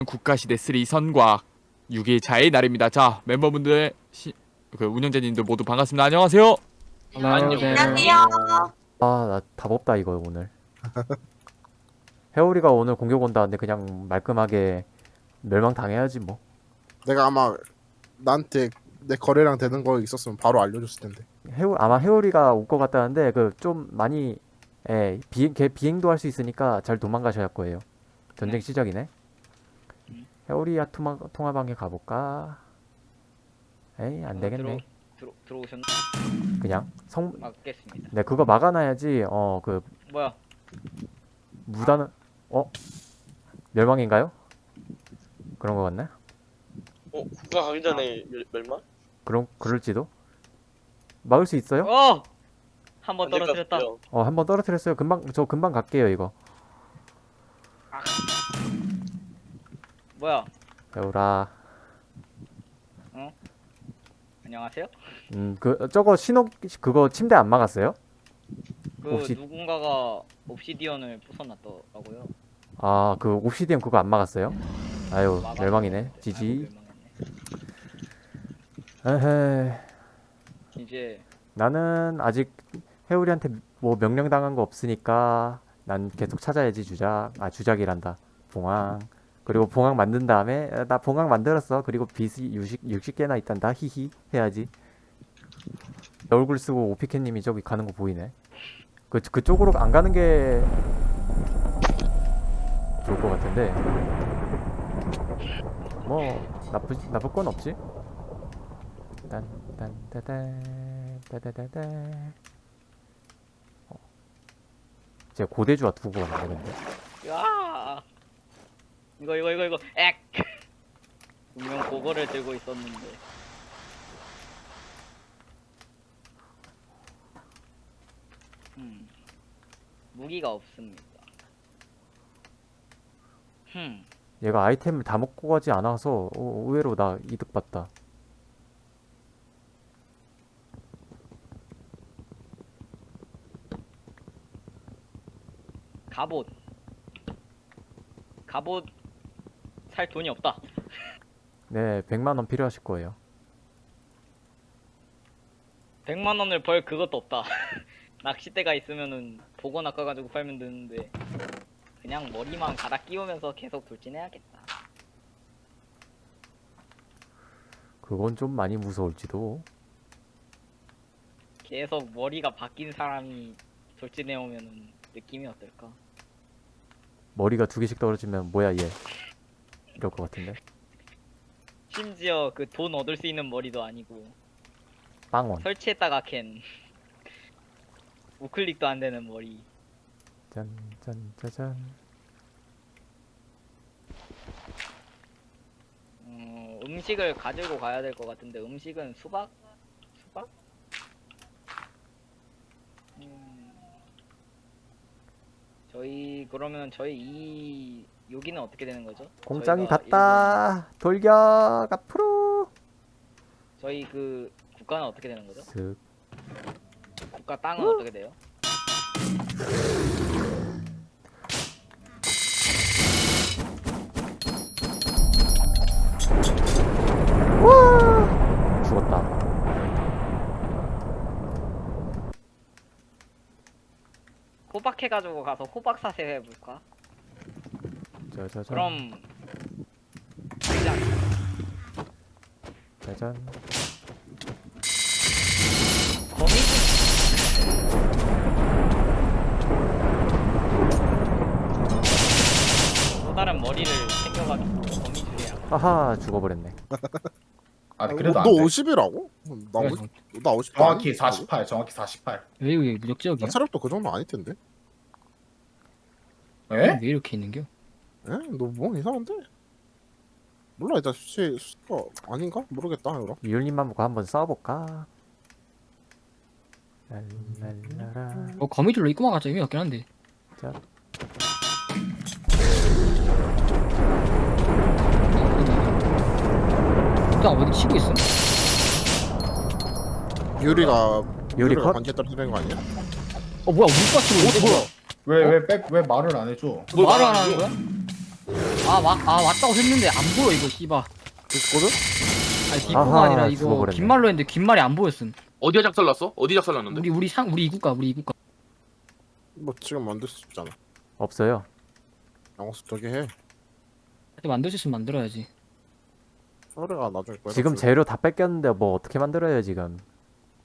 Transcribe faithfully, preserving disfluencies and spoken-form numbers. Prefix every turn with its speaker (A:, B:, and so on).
A: 국가시대 쓰리 선과 육 일차의 날입니다. 자, 멤버분들, 시, 그 운영자님들 모두 반갑습니다. 안녕하세요.
B: 안녕하세요.
C: 아, 나 답 없다 이거 오늘. 해오리가 오늘 공격 온다는데 그냥 말끔하게 멸망 당해야지 뭐.
B: 내가 아마 나한테 내 거래량 되는 거 있었으면 바로 알려줬을 텐데.
C: 해오 아마 해오리가 올 것 같다는데 그 좀 많이 예, 비행 걔 비행도 할 수 있으니까 잘 도망가셔야 할 거예요. 전쟁
D: 네.
C: 시작이네. 해오리야 통화 통화방에 가볼까? 에이 안 되겠네.
D: 들어, 들어, 들어오셨나?
C: 그냥 성
D: 맞겠습니다.
C: 네 그거 막아놔야지. 어 그
D: 뭐야?
C: 무단은 어 멸망인가요? 그런 거 같네.
E: 어? 국가 가기 전에 멸- 멸망?
C: 그럼 그럴지도. 막을 수 있어요?
D: 어! 한 번
E: 안될것
D: 떨어뜨렸다.
E: 같아요.
C: 어, 한 번 떨어뜨렸어요. 금방, 저 금방 갈게요, 이거.
D: 뭐야?
C: 배우라.
D: 안녕하세요?
C: 음, 그, 저거 신호, 그거 침대 안 막았어요?
D: 그
C: 혹시-
D: 누군가가 옵시디언을 부숴놨더라고요.
C: 아, 그 옵시디언 그거 안 막았어요? 아유,
D: 막아서
C: 멸망이네.
D: 그랬는데.
C: 지지.
D: 아이고, 멸망했네.
C: 에헤.
D: 이제
C: 나는 아직 해우리한테 뭐 명령 당한 거 없으니까 난 계속 찾아야지, 주작. 아, 주작이란다. 봉황. 그리고 봉황 만든 다음에, 아, 나 봉황 만들었어. 그리고 빚이 육십 개나 있단다. 히히. 해야지. 얼굴 쓰고 오피케님이 저기 가는 거 보이네. 그, 그쪽으로 안 가는 게 좋을 것 같은데. 뭐, 나쁘, 나쁠 건 없지? 딴, 딴, 따단, 따다다다. 어. 제가 고대주와 두고 가는데, 근데.
D: 야! 이거 이거 이거 이거 액! 분명 그거를 들고 있었는데. 음. 무기가 없습니다. 흠.
C: 얘가 아이템을 다 먹고 가지 않아서 어, 의외로 나 이득 봤다.
D: 갑옷. 갑옷 살 돈이 없다.
C: 네, 백만 원 필요하실 거예요.
D: 백만 원을 벌 그것도 없다. 낚싯대가 있으면은 보고 낚아가지고 팔면 되는데 그냥 머리만 갈아 끼우면서 계속 돌진해야겠다.
C: 그건 좀 많이 무서울지도.
D: 계속 머리가 바뀐 사람이 돌진해오면은 느낌이 어떨까?
C: 머리가 두 개씩 떨어지면 뭐야 얘. 이럴 것 같은데.
D: 심지어 그 돈 얻을 수 있는 머리도 아니고
C: 빵원.
D: 설치했다가 캔 우클릭도 안 되는 머리.
C: 짠, 짠, 짜잔.
D: 어, 음식을 가지고 가야 될 것 같은데 음식은 수박? 수박? 음, 저희 그러면 저희 이 여기는 어떻게 되는 거죠?
C: 공장이
D: 저희가
C: 갔다. 돌격 앞으로.
D: 일본- 저희 그 국가는 어떻게 되는 거죠?
C: 슥.
D: 국가 땅은 어떻게 돼요?
C: 와! 죽었다.
D: 호박 해가지고 가서 호박 사세 해볼까?
C: 짜자잔.
D: 그럼 시작.
C: 짜잔.
D: 거미 또 다른 머리를 챙겨가지고 거미줄이야.
C: 아하, 죽어버렸네.
F: 아
B: 아,
F: 그래도
B: 너
F: 안 돼.
B: 오십이라고? 나
F: 그래,
B: 오십, 나 오십.
F: 정확히 사십팔, 정확히 사십팔.
G: 왜 이게
B: 나
G: 무적지역이야?
B: 체력도 그 정도 아닐 텐데.
F: 에?
G: 왜 이렇게 있는겨?
B: 에? 너 뭐 이상한데? 몰라 일단 수치 수가 아닌가? 모르겠다 이거.
C: 이율님만 보고 한번 싸워볼까? 랄랄라라.
G: 어 거미줄로 입고만 가자 의미 없긴 한데.
C: 자,
G: 나 어디 치고 있어?
B: 유리가
C: 유리 컷?
B: 관계 떨어지는 거 아니야?
G: 어 뭐야 우리가 치고 있는데 뭐야?
F: 왜 왜 백 왜 말을 안 해줘?
G: 뭐 말을 안 하는 거야? 아, 와, 아 왔다고 했는데 안 보여 이거 씨바.
B: 있거든?
G: 아니 뒷구가
C: 아하,
G: 아니라 이거
C: 죽어버렸네.
G: 긴 말로 했는데 긴 말이 안 보였음.
E: 어디에 작살났어? 어디 작살났는데?
G: 우리 우리 상 우리 이국가 우리 이국가.
B: 뭐 지금 만들 수 있잖아.
C: 없어요.
B: 양호수 저기 해.
G: 근데 만들 수 있으면 만들어야지.
B: 서울이가 나중에 거기다
C: 지금
B: 줄-
C: 재료 다 뺏겼는데 뭐 어떻게 만들어요 지금?